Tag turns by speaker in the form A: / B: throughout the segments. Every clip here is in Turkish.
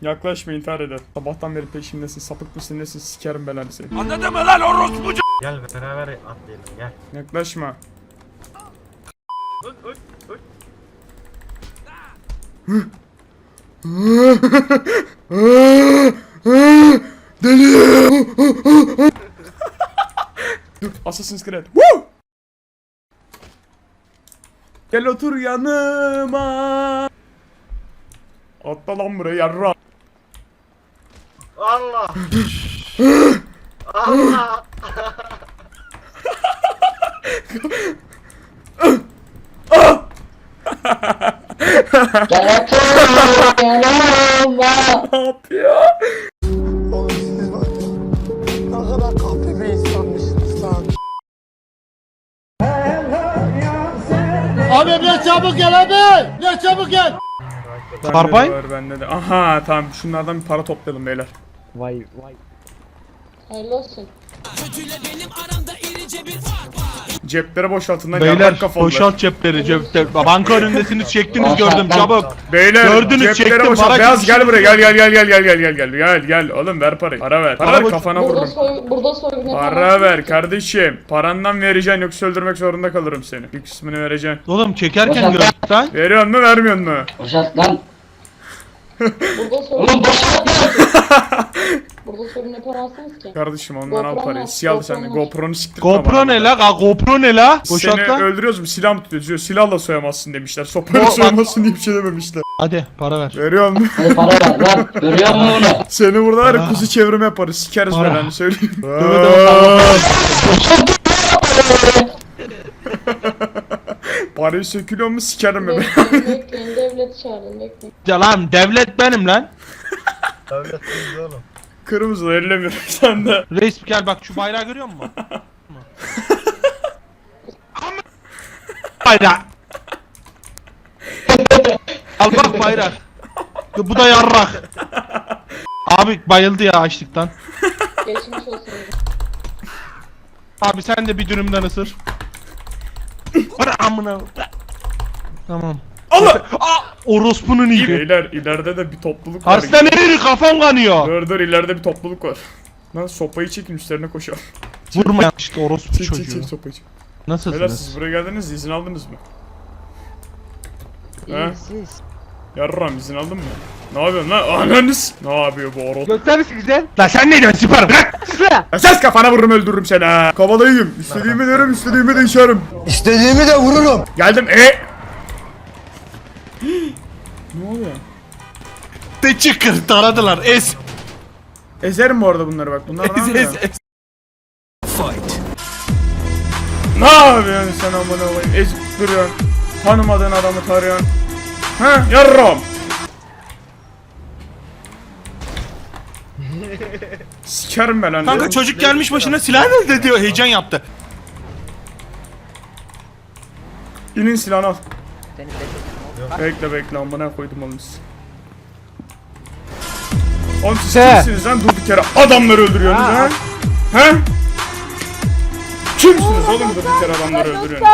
A: Yaklaşma, intihar eder. Sabahtan beri peşimdesin. Sapık mısın nesin? Sikerim belanı seni.
B: Anladın mı lan orospucu?
C: Gel beraber atlayalım gel.
A: Yaklaşma.
C: Uy uy uy.
A: Deli. Dur, Assassin's Creed. Woo! Gel otur yanıma. Atla lan buraya yarra.
C: Allah. Allah.
D: Gel otur yanıma.
A: Ne yapıyor?
E: Oğlum siz var ya, ne kadar kahpe bir insanmışsınız lan.
F: Abi ne çabuk gel abi! Ne çabuk gel!
A: Bende de var, bende de. Aha tamam, şunlardan bir para toplayalım beyler.
D: Hayırlı olsun.
A: Cepleri boşaltın lan,
G: Beyler
A: yarrak kafalılar.
G: boşalt cepleri cepte. Banka önündesiniz çektiniz
D: Boşalt
G: gördüm
D: lan.
G: çabuk.
A: Beyler
G: Gördünüz,
A: cepleri
G: çektim,
A: boşalt.
G: para
A: Beyaz gel
G: gitmiş.
A: buraya, gel oğlum, ver parayı. Para ver. Para ver, kafana vururum.
D: Burada soygun
A: Para ver kardeşim. Parandan vereceksin, yoksa öldürmek zorunda kalırım seni. Bir kısmını vereceksin.
G: Oğlum çekerken
D: Boşalt.
G: gördük lan.
A: Veriyor mu vermiyor mu?
D: Boşalt lan. Burada soygun. Oğlum boşalt. Burada soygun yapamazsınız ki.
A: Kardeşim ondan al
D: GoPro
A: parayı.
D: var,
A: Siyah sen de
D: GoPro var.
A: GoPro'nu siktirtme
G: GoPro
A: bana.
G: ne la? GoPro ne la? Boşalt
A: Seni
G: lan.
A: öldürüyoruz mu? Silah mı tutuyoruz? Diyor, silahla soyamazsın demişler. Sopayla
G: Bak-
A: soyamazsın diye bir şey dememişler.
G: Hadi para ver.
A: Veriyor mu?
D: Hadi para ver lan. Görüyor musun bunu?
A: Seni burada var ya,
G: Para.
A: kuzu çevrimi yaparız. Sikeriz
G: Para.
A: belanı söyleyeyim.
G: Döve döve
A: Parayı sökülüyor mu sikerim mi?
D: Bekleyin devleti çağırın bekleyin.
G: Ya lan devlet benim lan.
C: Devlet biz oğlum.
A: Kırmızı ellemiyorum sen de.
G: Reis gel bak şu bayrağı görüyor musun? Bayrak. Al bak bayrak. Bu da yarrak. Abi bayıldı ya açlıktan.
D: Geçmiş olsun.
G: Abi sen de bir dürümden ısır. Bana amına. Tamam.
A: Allah!
G: Orospunun iyi.
A: Beyler ileride de bir topluluk var.
G: Arslan erir kafam kanıyor.
A: Dur ileride bir topluluk var. Lan sopayı çekin, üstlerine koşalım.
G: Vurma işte orospu
A: Çek
G: çocuğu.
A: sopayı çek. Beyler
G: Nasılsınız?
A: siz buraya geldiniz, izin aldınız mı? He? Yarram izin aldın mı? Ne yapıyorsun lan? Ananız! Ne yapıyor bu orospu?
F: Gösterisi güzel.
G: Lan sen ne diyorsun süper bırak.
A: Ses kafana vururum, öldürürüm seni ha! Kovalayayım. İstediğimi derim, istediğimi de içerim.
E: İstediğimi de vururum.
A: Geldim Ne oluyor?
G: De çıkır taradılar es.
A: Ezerim bu arada bunları bak. Bunlar ne yapıyor?
G: es.
A: Ne yapıyorsun sen amına koyayım? Ezip duruyorsun. Tanımadığın adamı tarıyorsun. Ha yarram. Sikerim ben lan.
G: Kanka çocuk gelmiş başına silah elde diyor heyecan yaptı.
A: İnin silahını al. Bekle amına koydum oğlum siz. Oğlum siz kimsiniz lan, durduk yere adamları öldürüyorsunuz ha? He? Kimsiniz oğlum, durduk yere adamları öldürüyorsunuz?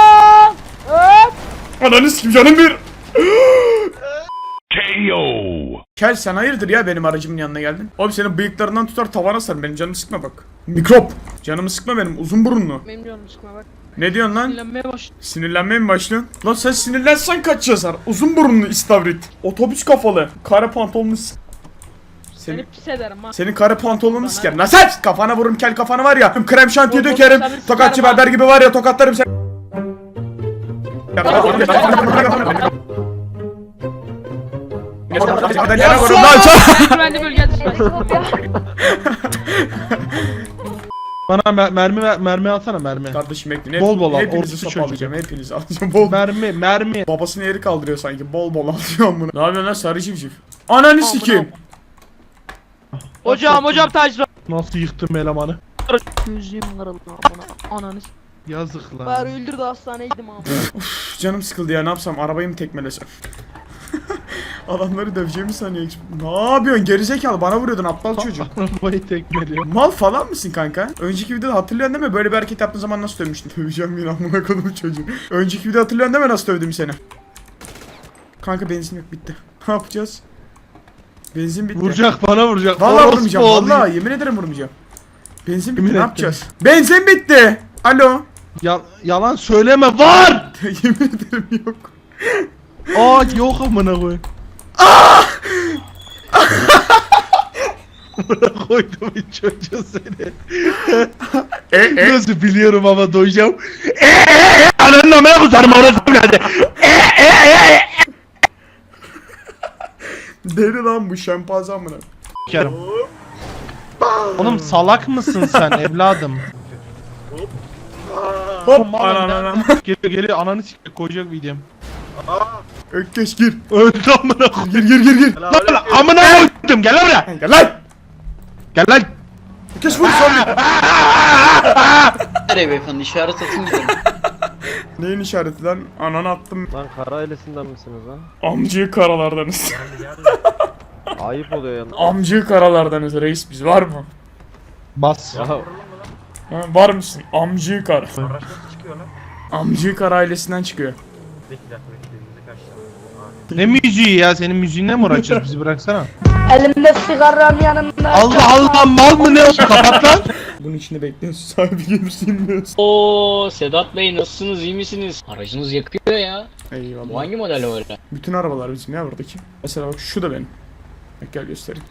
A: Ananı sikim canım bir. Kel sen hayırdır ya, benim aracımın yanına geldin? Oğlum senin bıyıklarından tutar tavana sar, benim canımı sıkma bak. Mikrop. Canımı sıkma benim, uzun burunlu.
H: Benim canım sıkma bak.
A: Ne diyorsun lan?
H: Sinirlenmeye başladım.
A: Sinirlenmeye mi başlıyorsun? Lan sen sinirlensen kaç yazar? Uzun burunlu istavrit. Otobüs kafalı. Kare pantolonlu
H: Seni pis ederim ha.
A: Senin kare pantolonunu sikerim. Lan sen kafana vururum, kel kafana var ya. Krem şantiye
H: Bol bol
A: dökerim.
H: sikerim
A: Tokatçı
H: ha.
A: berber gibi var ya, tokatlarım sen. Yere vurun lan sen.
H: Güvenli bölge dışına.
G: Bana mermi alsana mermi.
A: Kardeşim bekleyin.
G: Bol bol al,
A: Hepinizi
G: orospu
A: sopa
G: çocuğu.
A: alacağım. Hepinizi alacağım. Bol.
G: Mermi.
A: Babasını yeri kaldırıyor sanki. Bol bol alıyorum bunu. Ne yapıyorsun lan sarı civciv? Ananı sikeyim.
H: Hocam tacra.
G: Nasıl yıktım elemanı?
H: Gözlüğüm kırıldı bana. Ananı.
G: Yazık lan.
H: Bari öldürdü hastaneye gittim abi.
A: Canım sıkıldı ya, ne yapsam, arabayı mı tekmelesem? Adamları döveceğimi sanıyor. Ne yapıyorsun gerizekalı, bana vuruyordun aptal çocuk.
G: Arabayı tekmeliyor.
A: Mal falan mısın kanka? Önceki videoda hatırlıyorsun değil mi? Böyle bir hareket yaptığın zaman nasıl dövmüştün? Döveceğim yine amına koydum çocuğu. Önceki videoda hatırlıyorsun değil mi nasıl dövdüm seni? Kanka benzin yok, bitti. Ne yapacağız? Benzin bitti.
G: Vuracak bana vuracak.
A: Vallahi
G: Orospu
A: vurmayacağım.
G: oğlu.
A: Vallahi yemin ederim vurmayacağım. Benzin bitti.
G: Yemin
A: Ne
G: ettim.
A: yapacağız? Benzin bitti. Alo.
G: Yalan söyleme var.
A: Yemin ederim yok.
G: Aa yok amına koy. Amına koydum hiç çocuğu seni. Nasıl biliyorum ama doyacağım. Ananın amına kusarım orası nerede?
A: Deli lan bu şempanze amına.
G: Kerim. Oğlum salak mısın sen evladım?
A: Hop anam.
G: Geliyor ananı sikecek koyacak videom.
A: Ökkeş gir.
G: Öldü amına koy.
A: Gir.
G: Lan amına koydum gel lan buraya.
A: Gel lan.
G: Gel lan.
A: Ökkeş vur sonra.
B: Nereye beyefendi işaret atın gidelim.
A: Neyin işareti lan? Ananı attım.
I: Lan kara ailesinden misiniz lan?
A: Amcığı karalardanız.
I: Ayıp oluyor yalnız.
A: Amcığı karalardanız reis biz var mı?
G: Bas.
I: Ya
A: Ha, var mısın? Amcığı kara.
C: Araç nasıl çıkıyor lan?
A: Amcığı kara ailesinden çıkıyor.
C: Bir dakika müzik kaçtı.
G: Ne müziği ya senin müziğinle mi uğraşacağız bizi bıraksana.
H: Elimde sigaram yanımda.
G: Allah Allah mal mı ne o kapat lan.
A: Bunun içinde bekliyorsun sahibi gelirse inmiyorsun.
J: Oo Sedat Bey nasılsınız iyi misiniz? Aracınız yakıyor ya. Bu
A: Eyvallah.
J: hangi model öyle?
A: Bütün arabalar bizim ya buradaki. Mesela bak şu da benim. Bak gel göstereyim.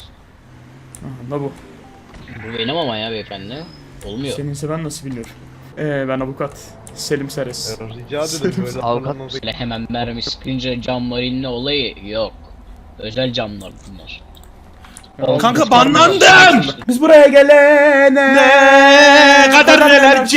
A: Aha da bu.
J: Bu benim ama ya beyefendi. Olmuyor.
A: Seninse ben nasıl biliyorum. Ben avukat. Selim Seres.
I: rica ederim böyle
B: Avukat
I: anlamda-
J: Böyle hemen mermi sıkınca cam varilli olayı yok. Özel camlar bunlar.
G: Kanka banlandım.
A: Biz buraya gelene
G: Ne kadar neler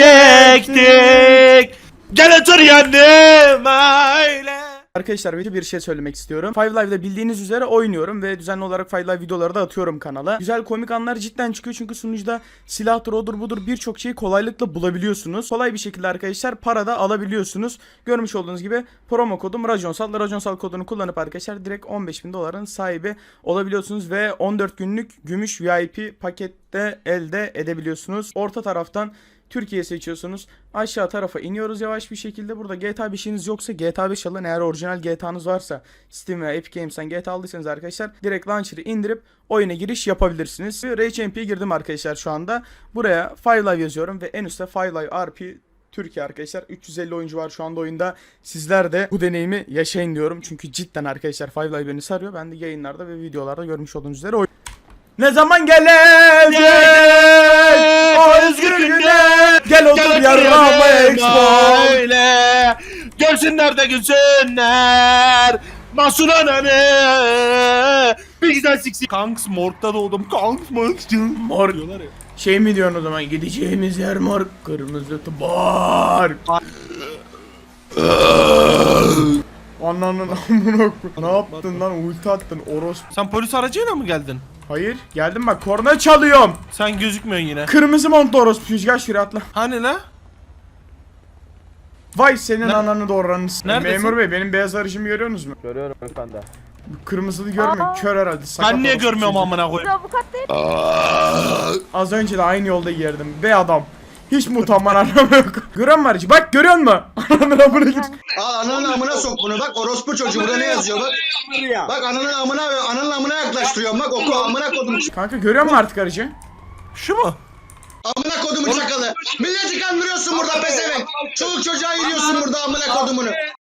G: çektik. Gel otur yanıma öyle.
A: Arkadaşlar bir şey söylemek istiyorum. Five Live'da bildiğiniz üzere oynuyorum ve düzenli olarak Five Live videoları da atıyorum kanala. Güzel komik anlar cidden çıkıyor çünkü sunucuda silahtır odur budur birçok şeyi kolaylıkla bulabiliyorsunuz. Kolay bir şekilde arkadaşlar para da alabiliyorsunuz. Görmüş olduğunuz gibi promo kodum Rajonsal. Rajonsal kodunu kullanıp arkadaşlar direkt 15.000 doların sahibi olabiliyorsunuz ve 14 günlük gümüş VIP pakette elde edebiliyorsunuz. Orta taraftan Türkiye seçiyorsunuz. Aşağı tarafa iniyoruz yavaş bir şekilde. Burada GTA 5'iniz yoksa GTA 5 alın. Eğer orijinal GTA'nız varsa Steam veya Epic Games'ten GTA aldıysanız arkadaşlar direkt launcher'ı indirip oyuna giriş yapabilirsiniz. Rage MP'ye girdim arkadaşlar şu anda. Buraya Five Live yazıyorum ve en üstte Five Live RP Türkiye arkadaşlar. 350 oyuncu var şu anda oyunda. Sizler de bu deneyimi yaşayın diyorum. Çünkü cidden arkadaşlar Five Live beni sarıyor. Ben de yayınlarda ve videolarda görmüş olduğunuz üzere ne zaman gelecek o özgür günler. Gel otur yarrağıma expo.
G: Öyle. Görsünler de gülsünler. Masum ananı. Bir güzel siksi. Kanks morgda doğdum. Kanks
A: Mor şey mi diyorsun o zaman gideceğimiz yer mor kırmızı tubar. Ananın amına koy. Ne yaptın lan ulti attın orospu.
G: Sen polis aracıyla mı geldin?
A: Hayır geldim bak korna çalıyorum.
G: Sen gözükmüyorsun yine.
A: Kırmızı montlu orospu gel şuraya atla.
G: Hani la?
A: Vay senin ananı doğranın.
G: Neredesin?
A: Memur bey benim beyaz aracımı görüyorsunuz mu?
I: Görüyorum efendi.
A: Kırmızılı görmüyorum kör herhalde. Sakat
G: Ben niye
A: orospu
G: görmüyorum
A: çocuğu.
G: amına koyayım?
H: Avukat değil.
A: Az önce de aynı yolda girdim. Be adam. Hiç mi utanman anlamı yok. Gören var içi. Bak görüyor musun? Ananın amına gir.
E: Al ananın amına sok bunu bak orospu çocuğu burada ne yazıyor bak. Bak ananın amına yaklaştırıyorum bak oku amına kodum.
A: Kanka görüyor musun artık aracı?
G: Şu mu?
E: Amına kodumu çakalı. Milleti kandırıyorsun burada pezevenk. Çoluk çocuğa yürüyorsun burada amına kodumunu.